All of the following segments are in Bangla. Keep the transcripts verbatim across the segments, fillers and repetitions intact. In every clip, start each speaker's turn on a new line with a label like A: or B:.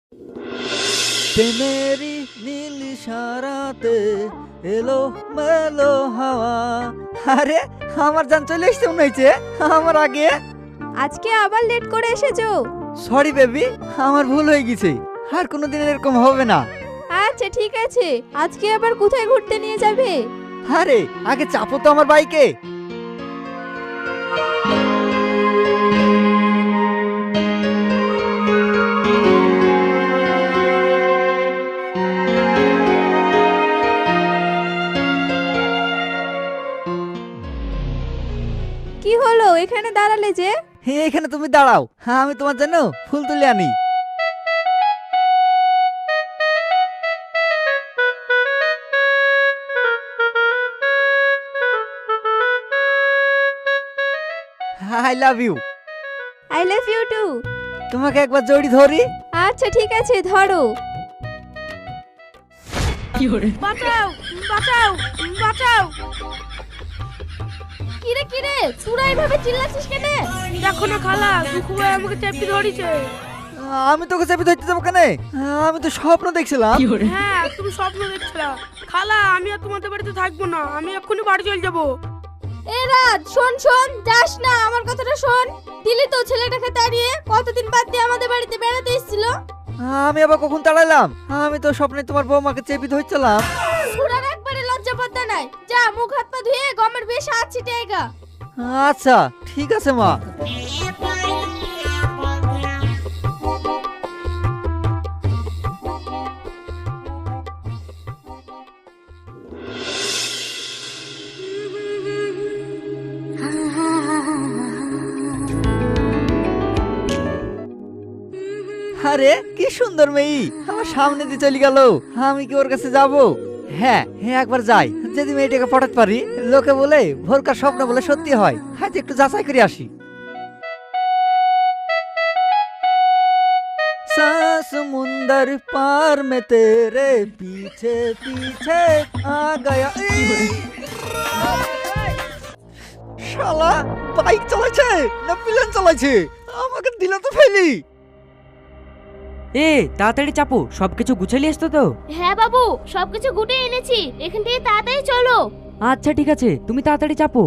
A: প্রেমেরই নীল সারাতে এলো মেলো হাওয়া। আরে আমার জান চলে এসছে মনে হয়েছে আমার আগে।
B: আজকে আবার লেট করে এসেছো।
A: সরি বেবি, আমার ভুল হয়ে গেছে, আর কোনোদিন এরকম হবে না।
B: আচ্ছা ঠিক আছে, আজকে আবার কোথায় ঘুরতে নিয়ে যাবে?
A: আরে আগে চাপো তো আমার বাইকে।
B: কি হলো এখানে দাঁড়ালে যে?
A: হে, এখানে তুমি দাঁড়াও, হ্যাঁ আমি তোমার জন্য ফুল তুলে আনি। I love you.
B: I love you too.
A: তোমাকে একবার জড়ি ধরি।
B: আচ্ছা ঠিক আছে, ধরো।
C: বাঁচাও বাঁচাও বাঁচাও।
B: কিরে কিরে সুরা এইভাবে চিল্লাছিস কেন?
C: দেখো না খালা, দুঃখু ভাই আমাকে চেপে ধরেছে।
A: আমি তোকে চেপে ধরতে যাবো কেন? আমি তো স্বপ্ন দেখছিলাম।
C: হ্যাঁ তুমি স্বপ্ন দেখছিলা। খালা আমি আর তোমাদের বাড়িতে থাকবো না, আমি এক্ষুনি বাড়ি চলে যাবো।
B: এ রাত শোন শোন, যাস না, আমার কথাটা শোন। দিলি তো ছেলেটাকে তাড়িয়ে, কতদিন বাদ দিয়ে আমাদের বাড়িতে বেড়াতে এসেছিল।
A: আমি আবার কখন তাড়াইলাম? আমি তো স্বপ্নে তোমার বৌমাকে চেপে ধরছিলাম।
B: সুরার একবারে লজ্জা পাত্তা নাই। যা মুখ হাত পা ধুয়ে গমের বেশ আছে টেগা।
A: আচ্ছা ঠিক আছে মা। আরে কি সুন্দর মেয়ে আমার সামনে দিয়ে চলে গেল। আমি কি ওর কাছে যাব? হ্যাঁ হ্যাঁ একবার যাই, যদি মেয়েটাকে পটাতে পারি। লোকে বলে ভোরকার স্বপ্ন বলে সত্যি হয়, হয়তো একটু যাচাই করে আসি। समुंदर पार में तेरे पीछे पीछे आ गया। শালা বাইক চালাচ্ছে না প্লেন চালাচ্ছে? আমাকে দিল তো ফেলি।
D: এ তাড়াতাড়ি চাপো, সবকিছু গুছালি আসতো তো?
E: হ্যাঁ বাবু, সবকিছু গুটিয়ে এনেছি, এখান থেকে তাড়াতাড়ি চলো।
D: আচ্ছা ঠিক আছে, তুমি তাড়াতাড়ি চাপো।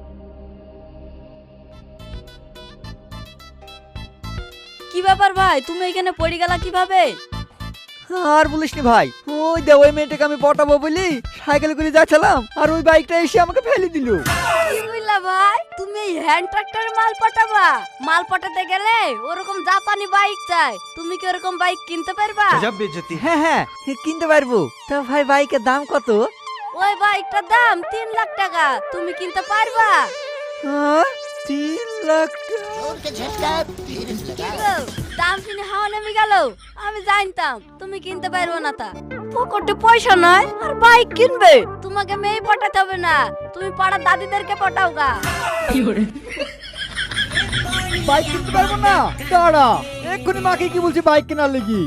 F: কি ব্যাপার ভাই, তুমি এখানে পড়ে গেলা কিভাবে?
A: আর বলিসনি ভাই, ওই দে ওই মেয়েটাকে আমি পটাবো বলি সাইকেল করে যাচ্ছিলাম, আর ওই বাইকটা এসে আমাকে ফেলে দিল।
F: কি বুঝলা ভাই, তুমি এই হ্যান্ড ট্রাক্টরে মাল পাঠাবা? মাল পাঠাতে গেলে ওরকম জাপানি বাইক চাই, তুমি কি ওরকম বাইক কিনতে পারবা?
A: হ্যাঁ হ্যাঁ কিনতে পারবো। তা ভাই বাইকের দাম কত?
F: ওই বাইকটার দাম তিন লাখ টাকা, তুমি কিনতে পারবা?
A: হ্যাঁ, তিন লাখ টাকা?
F: কি গো, দাম শুনে হাওয়া নেমে গেল। আমি জানতাম তুমি কিনতে পারবো না, তা পকেটে পয়সা নাই আর বাইক কিনবে। তোমাকে মেয়ে পটাতে হবে না, তুমি পাড়ার দাদিদেরকে পটাও গা।
A: বাইক কিনতে পারবো না? দাঁড়া, এক্ষুনি মাকে কি বলছি বাইক কেনার লেগি।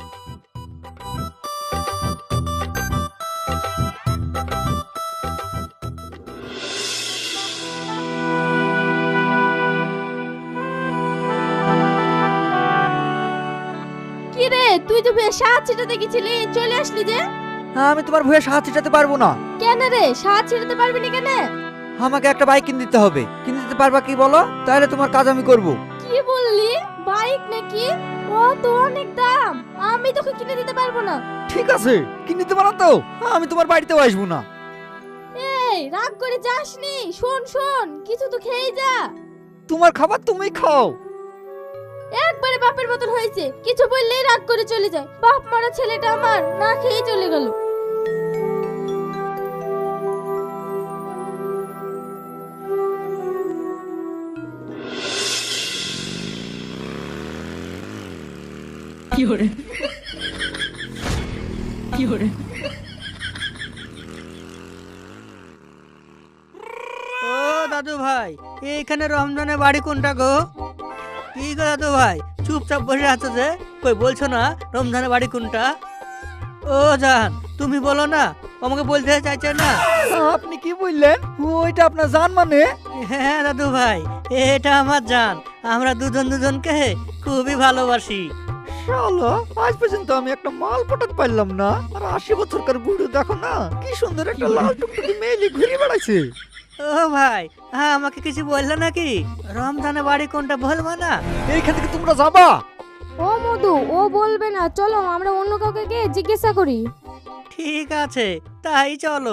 B: কি রে, তুই তো বেশ সাত ছিটাতে গেছিলি, চলে আসলি যে?
A: আমি তোমার ভয়ে সাহায্য ছিটাতে পারবো না।
B: কেন রে, সাত ছিটাতে পারবি না কেন?
A: আমাকে একটা বাইক কিনে দিতে হবে। কিনে দিতে পারবা কি বলো, তাহলে তোমার কাজ আমি করব।
B: কি বললি, বাইক নাকি? ও তো অনেক দাম, আমি তোকে কিনে দিতে পারবো না।
A: ঠিক আছে, কিনে দিতে পারো তো আমি তোমার বাড়িতেও আসবো না।
B: এই রাগ করে যাসনি, শোন শোন, কিছু তো খেয়ে যা।
A: তোমার খাবার তুমি খাও।
B: একবারে বাপের মতন হয়েছে, কিছু বললেই রাগ করে চলে যায়। বাপ মারা ছেলেটা আমার না খেয়ে চলে গেল।
D: কি করে কি করে
G: ও দাদু ভাই, এইখানে রমজানের বাড়ি কোনটা গো? কি গো দাদু ভাই, চুপচাপ বসে আছো যে, কই বলছো না রমজানের বাড়ি কোনটা? ও জান, তুমি বলো না, আমাকে বলতে চাইছো না?
A: আপনি কি বললেন? ওইটা আপনার জান মানে?
G: হ্যাঁ দাদু ভাই, এটা আমার জান। আমরা দুজন দুজনকে খুবই ভালোবাসি।
A: শালা আজ পর্যন্ত আমি একটা মাল পটাতে পারলাম না, আর আশি বছরকার বুড়ো দেখো না কি সুন্দর একটা লাল টুকটুকি মেয়ে ঘুরে বেড়াচ্ছে।
G: ও ভাই, হ্যাঁ আমাকে কিছু বললো নাকি? রমজানের বাড়ি কোনটা বলবো না?
A: এইখান থেকে তোমরা যাবা?
B: ও মধু, ও বলবে না, চলো আমরা অন্য কাউকে গিয়ে জিজ্ঞাসা করি।
G: ঠিক আছে, তাই চলো।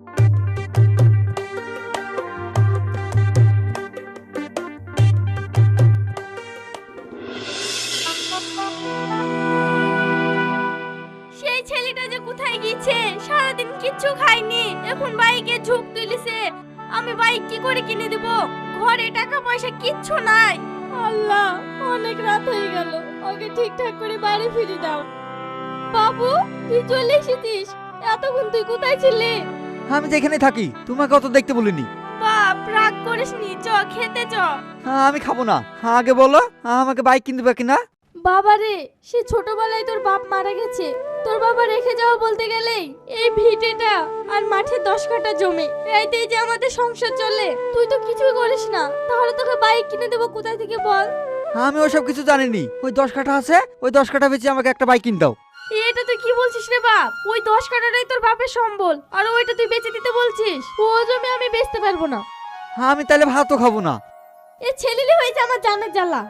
B: সেই ছেলেটা যে কোথায় গিয়েছে, সারাদিন কিচ্ছু খাইনি, এখন বাইকে ঝুঁক তুলিছে। আমি বাইক কি করে কিনে দেব? ঘরে টাকা পয়সা কিচ্ছু নাই। আল্লাহ, অনেক রাত হয়ে গেল, ওকে ঠিকঠাক করে বাড়ি ফিরে দাও। বাবু, তুই চলে এসেছিস? এতক্ষণ তুই কোথায় ছিলি?
A: আমি যেখানে থাকি, তোমাকে অত দেখতে বলিনি।
B: বাপ, রাগ করিসনি, চ খেতে চ।
A: হ্যাঁ, আমি খাবো না। হ্যাঁ, আগে বলো আমাকে বাইক কিনতে দেবে কিনা?
B: বাবা রে, সে ছোটবেলায় তোর বাপ মারা গেছে। তোর বাবা রেখে যাওয়া বলতে গেলেই এই ভিটেটা আর মাঠে দশ কাঠা জমি, এইতেই যে আমাদের সংসার চলে। তুই তো কিছুই করিস না, তাহলে তোকে বাইক কিনে দেবো কোথায় থেকে বল?
A: আমি ওসব কিছু জানিনি। ওই দশ কাঠা আছে, ওই দশ কাঠা বেচে আমাকে একটা বাইক কিনে দাও।
B: এটা তুই কি বলছিস রে বাপ? ওই দশ কাঠাটাই তোর বাপের সম্বল, আর ওইটা তুই বেচে দিতে বলছিস? ও জমি আমি বেচতে পারবো না।
A: আমি তাহলে ভাতও খাবো না।
B: এ ছেলেলি হয়েছে আমার জানের জ্বালা।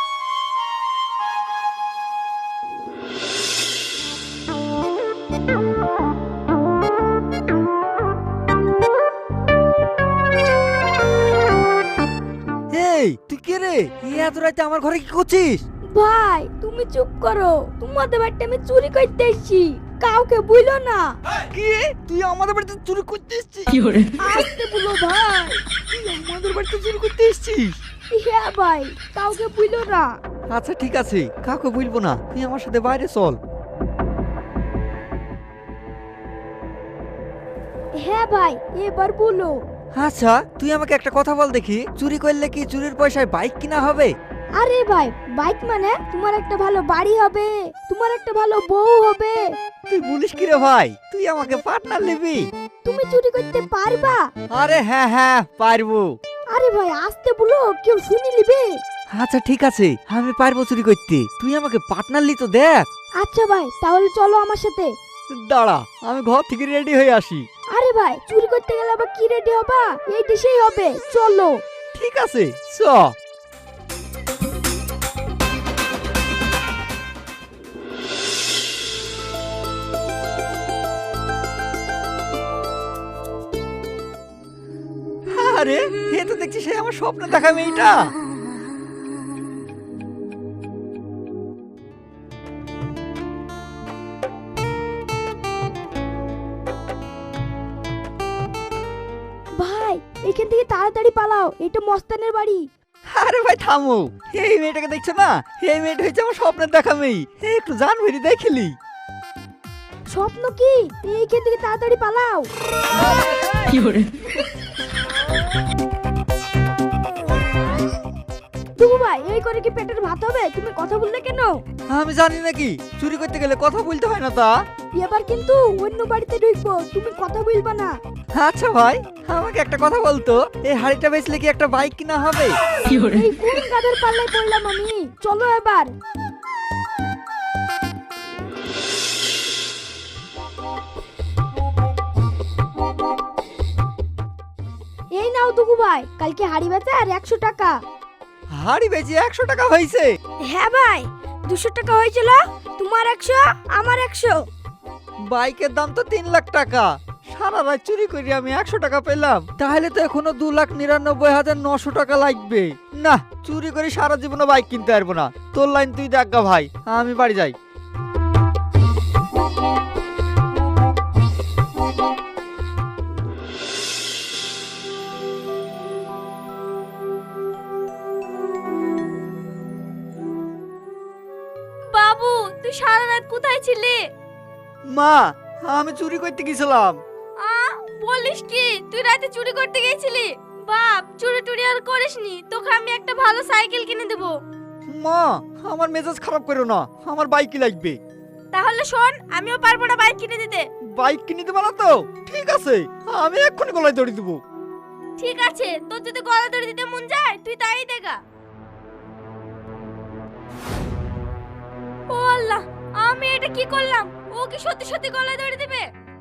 A: এই তুই কে রে? এই এত রাতে আমার ঘরে কি করছিস?
B: ভাই, তুমি চুপ করো, তোমাদের বাড়িতে আমি চুরি করতে এসেছি, কাউকে বইলো না।
A: কি? তুই আমাদের বাড়িতে চুরি করতে এসেছিস?
B: আসতে বলো ভাই।
A: তুই আমাদের বাড়িতে চুরি করতে এসেছিস?
B: হ্যাঁ ভাই, কাউকে বইলো না।
A: আচ্ছা ঠিক আছে, কাউকে বলবো না। তুই আমার সাথে বাইরে চল।
B: হ্যাঁ ভাই, এবার বলো।
A: আচ্ছা তুই আমাকে একটা কথা বল দেখি, চুরি করলে কি চুরির পয়সায় বাইক কিনা হবে?
B: আরে ভাই, বাইক মানে তোমার একটা ভালো বাড়ি হবে, তোমার একটা ভালো বউ হবে।
A: তুই বলিস কি রে ভাই? তুই আমাকে পার্টনার নিবি?
B: তুমি চুরি করতে পারবা?
A: আরে হ্যাঁ হ্যাঁ পারবো।
B: আরে ভাই, আসতে বলো, কেউ শুনি লিবে।
A: আচ্ছা ঠিক আছে, আমি পারবো চুরি করতে। তুই আমাকে পার্টনার লি তো দেখ।
B: আচ্ছা ভাই, তাহলে চলো আমার সাথে।
A: দাঁড়া, আমি ঘর থেকে রেডি হয়ে আসি।
B: আরে ভাই, চুরি করতে গেলে আবার কি রেডি হবা? এই দেশেই হবে, চলো।
A: ঠিক আছে চ। আরে এ তো দেখছি সে আমার স্বপ্ন দেখা মেয়েটা।
B: ভাই, এখান থেকে তাড়াতাড়ি পালাও, এটা মস্তানের বাড়ি।
A: আরে ভাই থামো, এই মেয়েটাকে দেখছো না? এই মেয়েটা হচ্ছে আমার স্বপ্নের দেখা মেয়ে। একটু জান ভেরি দেখিলি।
B: স্বপ্ন কি? এইখান থেকে তাড়াতাড়ি পালাও। দুগু ভাই, এই করে কি পেটের ভাত হবে? তুমি কথা বললে কেন?
A: আমি জানি নাকি চুরি করতে গেলে কথা বলতে হয় না তা?
B: এবার কিন্তু অন্য বাড়িতে ঢুকবো, তুমি কথা বলবা না।
A: আচ্ছা ভাই, আমাকে একটা কথা বলতো, এই হাড়িটা বেচলে কি একটা বাইক কিনা হবে?
B: এই কোন গাদের পাল্লায় পড়লাম আমি? চলো এবার। এই নাও দুগু ভাই, কালকে হাড়ি বেচা আর একশো টাকা।
A: হাড়ি বেচে একশো টাকা হয়েছে?
B: হ্যাঁ ভাই, দুশো টাকা হয়েছিল, তোমার একশো আমার একশো।
A: বাইকের দাম তো তিন লাখ টাকা, সারা রাত চুরি করে আমি একশো টাকা পেলাম, তাহলে তো এখনো দু লাখ নিরানব্বই হাজার নশো টাকা লাগবে। না, চুরি করে সারা জীবনে বাইক কিনতে পারবো না। তোর লাইন তুই দেখ গা ভাই, আমি বাড়ি যাই।
B: বাবু, তুই সারা রাত কোথায় ছিলি?
A: মা, আমি চুরি করতে গেছিলাম।
B: আ বলিস কি, তুই রাতে চুরি করতে গিয়েছিলি? বাপ, চুরি টুরি আর করিসনি, তোকে আমি একটা ভালো সাইকেল কিনে দেব।
A: মা, আমার মেজাজ খারাপ করো না, আমার বাইকই লাগবে।
B: তাহলে শোন, আমিও পারবো না বাইক কিনে দিতে।
A: বাইক কিনে দেবো না তো? ঠিক আছে, আমি এক্ষুনি গলায় দড়ি দেবো।
B: ঠিক আছে, তোর যদি গলা ধরে দিতে মন যায় তুই তাই দেখা। ও আল্লাহ, আমি এটা কি করলাম? ও কি সত্যি সত্যি গলায় দড়ি দিবে?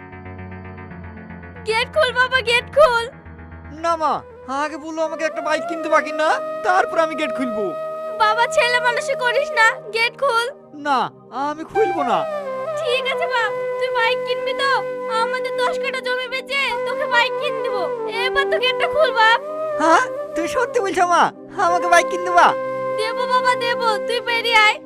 B: গেট খুল বাবা, গেট খুল।
A: না মা, আগে বললো আমাকে একটা বাইক কিনতে বাকি না, তারপর আমি গেট খুলবো।
B: বাবা ছেলে মানুষই করিস না, গেট খুল।
A: না, আমি খুলবো না।
B: ঠিক আছে বাপ, তুই বাইক কিনবি তো? আমাদের দশ কাঠা জমি বেচে তোকে বাইক কিনে দেবো। এবার তো গেটটা খুল বাপ।
A: হ্যাঁ, তুই সত্যি বলছো মা? আমাকে বাইক কিনতে বা?
B: দেবো বাবা দেবো, তুই বেরিয়ে আয়।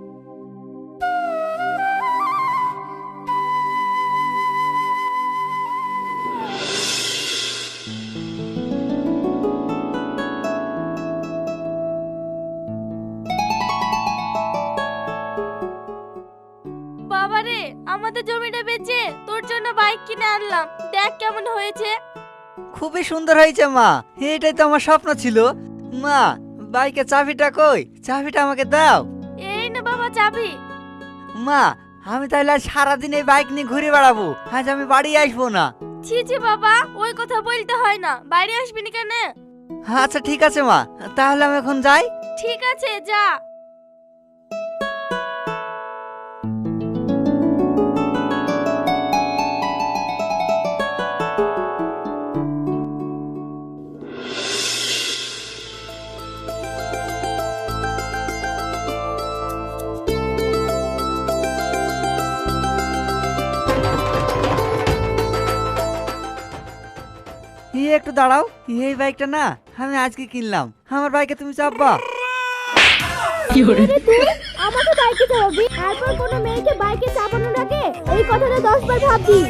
B: বাবারে, আমাদের জমিটা বেচে তোর জন্য বাইক কিনে আনলাম, দেখ কেমন হয়েছে।
A: খুবই সুন্দর হয়েছে মা, এটাই তো আমার স্বপ্ন ছিল। মা, বাইকের চাবিটা কই? চাবিটা আমাকে দাও।
B: এই না বাবা চাবি।
A: মা, আমি তাহলে আজ সারাদিন এই বাইক নিয়ে ঘুরে বেড়াবো, আজ আমি বাড়ি আসবো না।
B: ছি ছি বাবা, ওই কথা বলতে হয় না, বাইরে আসবি না কেন?
A: আচ্ছা ঠিক আছে মা, তাহলে আমি এখন যাই।
B: ঠিক আছে যা।
A: এই একটু দাঁড়াও, এই বাইকটা না আমি আজকে কিনলাম, আমার বাইকে তুমি চাপবা?
E: আমাকে বাইকে চাপাবি, তারপর কোনো মেয়েকে বাইকে চাপানোর আগে এই কথাটা দশ বার ভাববি।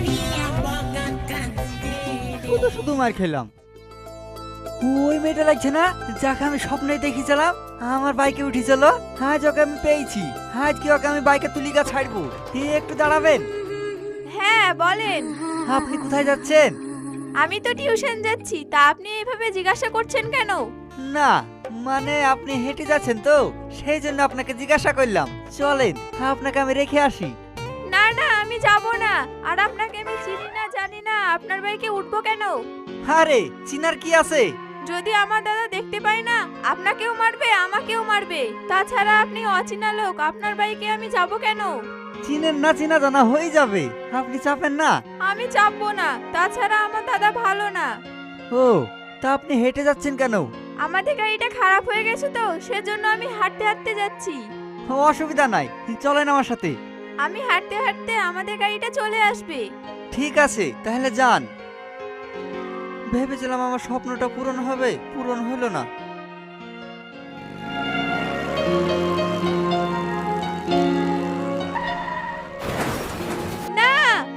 A: শুধু শুধু মার খেলাম। ওই মেয়েটা লাগছে না যাকে আমি স্বপ্নে দেখেছিলাম আমার বাইকে উঠেছিল, আজ ওকে আমি পেয়েছি। আজ কি ওকে আমি বাইকে তুলিকা ছাড়বো। এই একটু দাঁড়াবেন।
B: হ্যাঁ বলেন।
A: আপনি কোথায় যাচ্ছেন?
B: আমি তো টিউশন যাচ্ছি, তা আপনি এইভাবে জিজ্ঞাসা করছেন কেন?
A: না, মানে আপনি হেঁটে যাচ্ছেন তো, সেই জন্য আপনাকে জিজ্ঞাসা করলাম। চলেন, আপনাকে আমি রেখে আসি।
B: না না, আমি যাব না। আর আপনাকে আমি চিনি না জানি না, আপনার বাইকে উঠবো কেন?
A: আরে চিনার কি আছে?
B: যদি আমার দাদা দেখতে পাই না, আপনাকেও মারবে আমাকেও মারবে। তাছাড়া আপনি অচেনা লোক, আপনার বাইকে আমি যাব কেন?
A: চিনেন না, চিনা জানা হয়ে যাবে, আপনি চাপেন না।
B: আমি চাপবো না, তাছাড়া আমার দাদা ভালো না।
A: ও, তা আপনি হেঁটে যাচ্ছেন কেন?
B: আমাদের গাড়িটা খারাপ হয়ে গেছে তো, সেজন্য আমি হাঁটতে হাঁটতে যাচ্ছি।
A: ও, অসুবিধা নাই, চলেন আমার সাথে।
B: আমি হাঁটতে হাঁটতে আমাদের গাড়িটা চলে আসবে।
A: ঠিক আছে, তাহলে যান। ভেবেছিলাম আমার স্বপ্নটা পূরণ হবে, পূরণ হলো না।
B: না,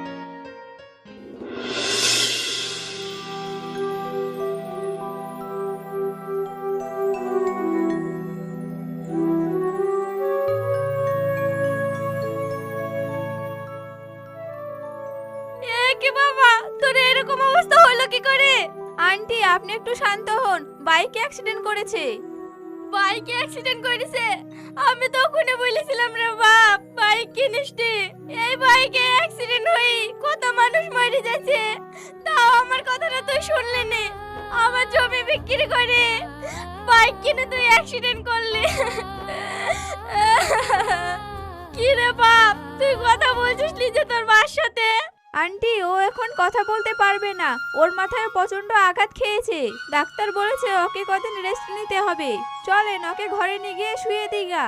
B: এ কি বাবা, তোর এরকম অবস্থা হলো কি করে? আন্টি আপনি একটু শান্ত হন, বাইকে অ্যাক্সিডেন্ট করেছে। বাইকে অ্যাক্সিডেন্ট করেছে? আমি তখনই বলেছিলাম রে বাপ, বাইক কিনিস নি। এই বাইকে অ্যাক্সিডেন্ট হয়ে কত মানুষ মরে যাচ্ছে, তাও আমার কথাটা তুই শুনলি নি। আমার জমি বিক্রি করে বাইক কিনে তুই অ্যাক্সিডেন্ট করলি। কি রে বাপ, তুই কথা বলছিস যে তোর মার সাথে? আন্টি ও এখন কথা বলতে পারবে না, ওর মাথায় প্রচন্ড আঘাত খেয়েছে। ডাক্তার বলেছে ওকে কদিন রেস্ট নিতে হবে। চলেন ওকে ঘরে নিয়ে গিয়ে শুয়ে দিগা।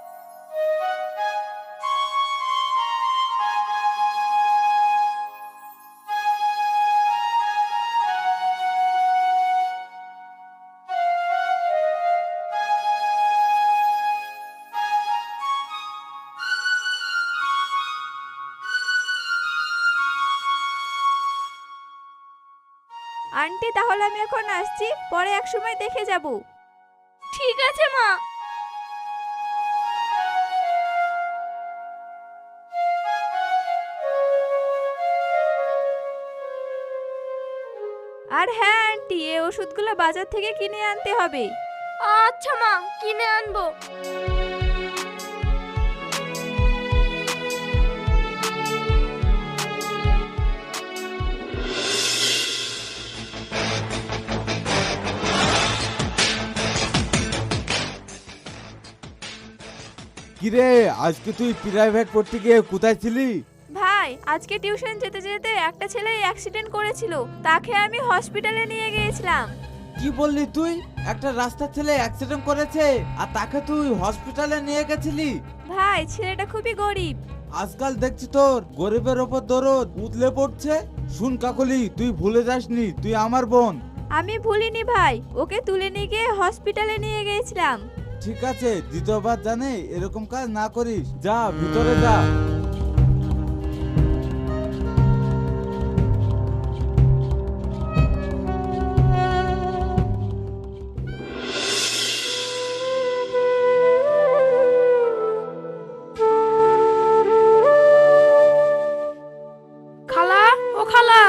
B: আন্টি তাহলে আমি এখন আসছি, পরে এক সময় দেখে যাব। ঠিক আছে মা। আর হ্যাঁ আন্টি, এই ওষুধগুলো বাজার থেকে কিনে আনতে হবে। আচ্ছা মা, কিনে আনবো।
H: কিরে আজকে তুই প্রাইভেট পড়তে গিয়ে কোথায় ছিলি?
B: ভাই আজকে টিউশন যেতে যেতে একটা ছেলে অ্যাক্সিডেন্ট করেছিল, তাকে আমি হসপিটালে নিয়ে গিয়েছিলাম।
H: কি বললি তুই? একটা রাস্তার ছেলে অ্যাক্সিডেন্ট করেছে আর তাকে তুই হসপিটালে নিয়ে গেছিলি?
B: ভাই ছেলেটা খুবই গরিব।
H: আজকাল দেখছি তোর গরিবের ওপর দরদ উতলে পড়ছে। শুন কাকলি, তুই ভুলে যাসনি তুই আমার বোন।
B: আমি ভুলিনি ভাই, ওকে তুলে নিয়ে গিয়ে হসপিটালে নিয়ে গিয়েছিলাম।
H: ঠিক আছে, দ্বিতীয়বার জানে এরকম কাজ না করিস। যা ভিতরে যা।
C: খালা, ও খালা,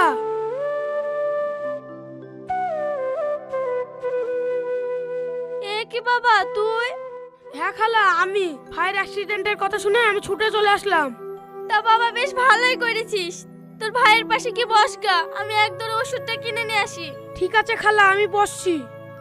B: এ কি বাবা তুই?
C: হ্যাঁ খালা, আমি ফায়ার অ্যাক্সিডেন্টের কথা শুনে আমি ছুটে চলে আসলাম।
B: তা বাবা বেশ ভালোই করেছিস। তোর ভাইয়ের পাশে কি বসগা, আমি এক দর ওষুধটা কিনে নিয়ে আসি।
C: ঠিক আছে খালা, আমি বসছি।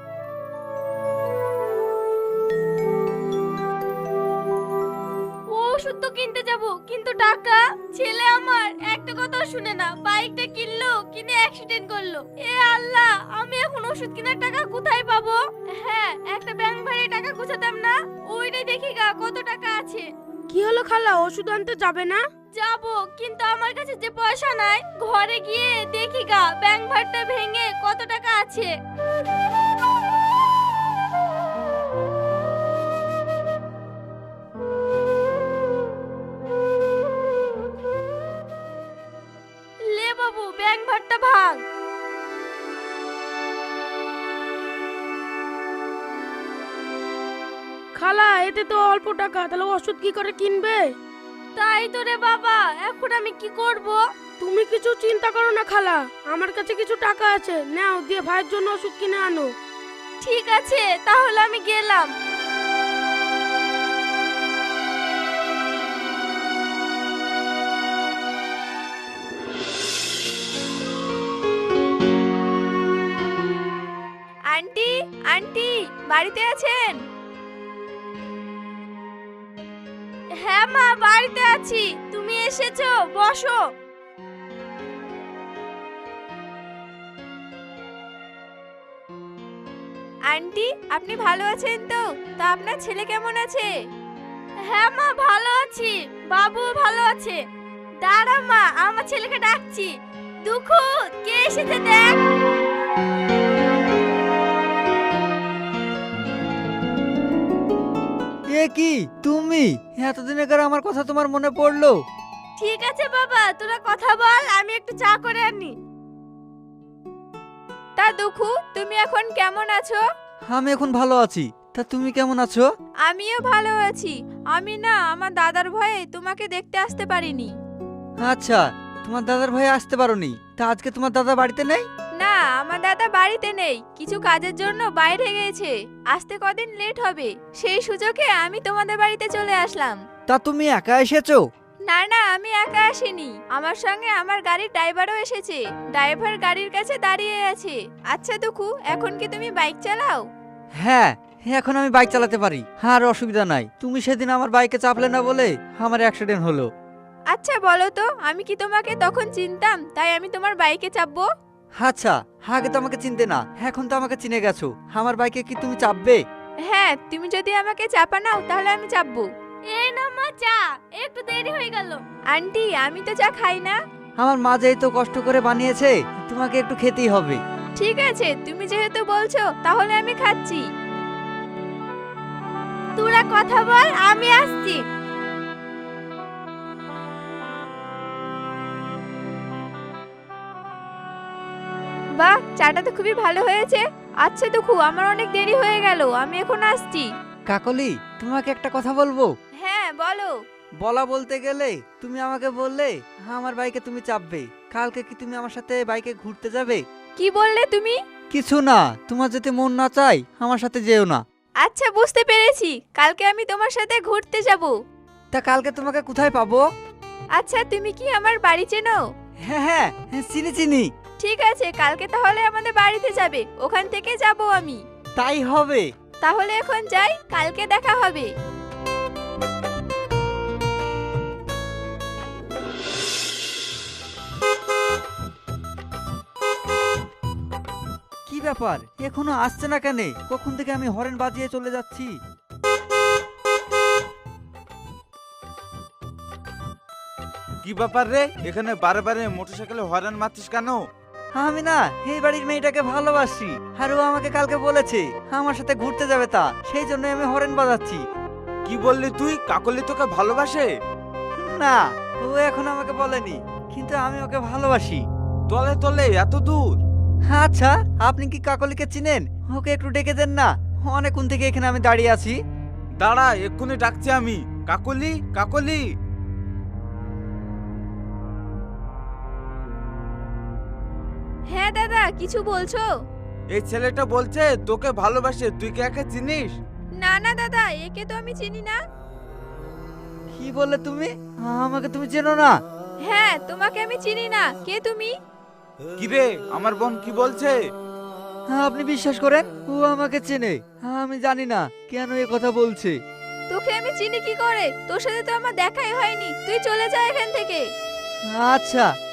B: ও ওষুধ তো কিনতে যাব, কিন্তু টাকা? ছেলে আমার একটা কথাও শুনে না, বাইকটা কিনলো, কিনে অ্যাক্সিডেন্ট করলো। এ আল্লাহ, আমি এখন ওষুধ কেনার টাকা কোথায় পাবো? হ্যাঁ, একটা ব্যাংক ভাড়ে টাকা গুছাতাম না, ওইটাই দেখি গা কত টাকা আছে।
C: কি হলো খালা, ওষুধ আনতে যাবে না?
B: যাবো, কিন্তু আমার কাছে যে পয়সা নাই। ঘরে গিয়ে দেখি গা ব্যাংক ভাড়টা ভেঙে কত টাকা আছে। লে বাবু, ব্যাংক ভাড়টা ভাঙ।
C: খালা, এতে তো অল্প টাকা, তাহলে ওষুধ কি করে কিনবে?
B: তাই তো রে বাবা, এখন আমি কি করব?
C: তুমি কিছু চিন্তা করো না খালা, আমার কাছে কিছু টাকা আছে, নাও দিয়ে ভাইয়ের জন্য ওষুধ কিনে আনো।
B: ঠিক আছে, তাহলে আমি গেলাম। আন্টি, আন্টি বাড়িতে আছেন? হ্যাঁ মা, বাড়িতে আছি। তুমি এসেছো, বসো। আন্টি, আপনি ভালো আছেন তো? তা আপনার ছেলে কেমন আছে? হ্যাঁ মা, ভালো আছি। বাবু ভালো আছে। দাঁড়া মা, আমার ছেলেকে ডাকছি। দুঃখু, কে এসেছে দেখ।
A: এ কি তুমি? এতদিন আগে আমার কথা তোমার মনে পড়লো?
B: ঠিক আছে বাবা, তোরা কথা বল, আমি একটু চা করে আনি। তা দুঃখু, তুমি এখন কেমন আছো?
A: আমি এখন ভালো আছি। তা তুমি কেমন আছো?
B: আমিও ভালো আছি। আমি না আমার দাদার ভয়ে তোমাকে দেখতে আসতে পারিনি।
A: আচ্ছা, তোমার দাদার ভাই আসতে পারোনি। তা আজকে তোমার দাদা বাড়িতে নেই?
B: না, আমার দাদা বাড়িতে নেই, কিছু কাজের জন্য বাইরে গেছে, আসতে কদিন লেট হবে। সেই সুযোগে আমি তোমাদের বাড়িতে চলে আসলাম।
A: তা তুমি একা এসেছো?
B: না না, আমি একা আসিনি, আমার সঙ্গে আমার গাড়ির ড্রাইভারও এসেছে। ড্রাইভার গাড়ির কাছে দাঁড়িয়ে আছে। আচ্ছা দুঃখু, এখন কি তুমি বাইক চালাও?
A: হ্যাঁ, এখন আমি বাইক চালাতে পারি, আর অসুবিধা নাই। তুমি সেদিন আমার বাইকে চাপলে না বলে আমার অ্যাক্সিডেন্ট হলো।
B: আচ্ছা বলো তো, আমি কি তোমাকে তখন চিনতাম তাই আমি তোমার বাইকে চাপবো?
A: আচ্ছা, আগে তো আমাকে চিনতে না, এখন তো আমাকে চিনে গেছো। আমার বাইকে কি তুমি চাপবে?
B: হ্যাঁ, তুমি যদি আমাকে চাপা নাও তাহলে আমি চাপবো। এই না মা, চা একটু দেরি হয়ে গেল। আন্টি, আমি তো চা খাই না।
A: আমার মা যেই তো কষ্ট করে বানিয়েছে, তোমাকে একটু খেতেই হবে।
B: ঠিক আছে, তুমি যেহেতু বলছো তাহলে আমি খাচ্ছি। তোরা কথা বল, আমি আসছি। বাহ, চাটা তো খুবই ভালো হয়েছে। আচ্ছা দুঃখু, আমার অনেক দেরি হয়ে গেল, আমি এখন আসছি।
A: কাকলি, তোমাকে একটা কথা বলবো।
B: হ্যাঁ বলো।
A: বলা বলতে গেলে তুমি আমাকে বললে আমার বাইকে তুমি চাপবে। কালকে কি তুমি আমার সাথে বাইকে ঘুরতে যাবে?
B: কি বললে তুমি?
A: কিছু না, তোমার যদি মন না চাই আমার সাথে যেও না।
B: আচ্ছা বুঝতে পেরেছি, কালকে আমি তোমার সাথে ঘুরতে যাব।
A: তা কালকে তোমাকে কোথায় পাবো?
B: আচ্ছা, তুমি কি আমার বাড়ি চেনো?
A: হ্যাঁ হ্যাঁ, চিনি চিনি।
B: ঠিক আছে, কালকে তাহলে আমাদের বাড়িতে যাবে, ওখান থেকে যাব আমি।
A: তাই হবে।
B: তাহলে এখন যাই, কালকে দেখা হবে।
A: ব্যাপার এখনো আসছে না কেন? কখন থেকে আমি হরেন বাজিয়ে চলে যাচ্ছি।
H: কি ব্যাপার রে, এখানে বারে বারে মোটরসাইকেলে হর্ন মারছিস কেন?
A: আমি না এই বাড়ির মেয়েটাকে ভালোবাসি, আর ও আমাকে কালকে বলেছে আমার সাথে ঘুরতে যাবে, তা সেই জন্য আমি হরেন বাজাচ্ছি।
H: কি বললি তুই? কাকলি তোকে ভালোবাসে?
A: না, ও এখন আমাকে বলেনি, কিন্তু আমি ওকে ভালোবাসি।
H: তলে তলে এত দূর?
A: আচ্ছা, আপনি কি কাকলিকে চিনেন? ওকে একটু ডেকে দেন না, অনেকক্ষণ থেকে এখানে আমি দাঁড়িয়ে আছি।
H: দাঁড়া, এক্ষুনি ডাকছি আমি। কাকলি, কাকলি।
B: হ্যাঁ দাদা, কিছু বলছো?
H: এই ছেলেটা বলছে তোকে ভালোবাসে, তুই কি একে চিনিস?
B: না না দাদা, একে তো আমি চিনি না।
A: কি বললে তুমি? আমাকে তুমি চেনো না?
B: হ্যাঁ, তোমাকে আমি চিনি না। কে তুমি?
H: কিরে, আমার বোন কি বলছে?
A: আপনি বিশ্বাস করেন, ও আমাকে চেনে। আমি জানি না কেন এ কথা বলছে।
B: তোকে আমি চিনি কি করে? তোর সাথে তো আমার দেখাই হয়নি, তুই চলে যা এখান থেকে।
A: আচ্ছা,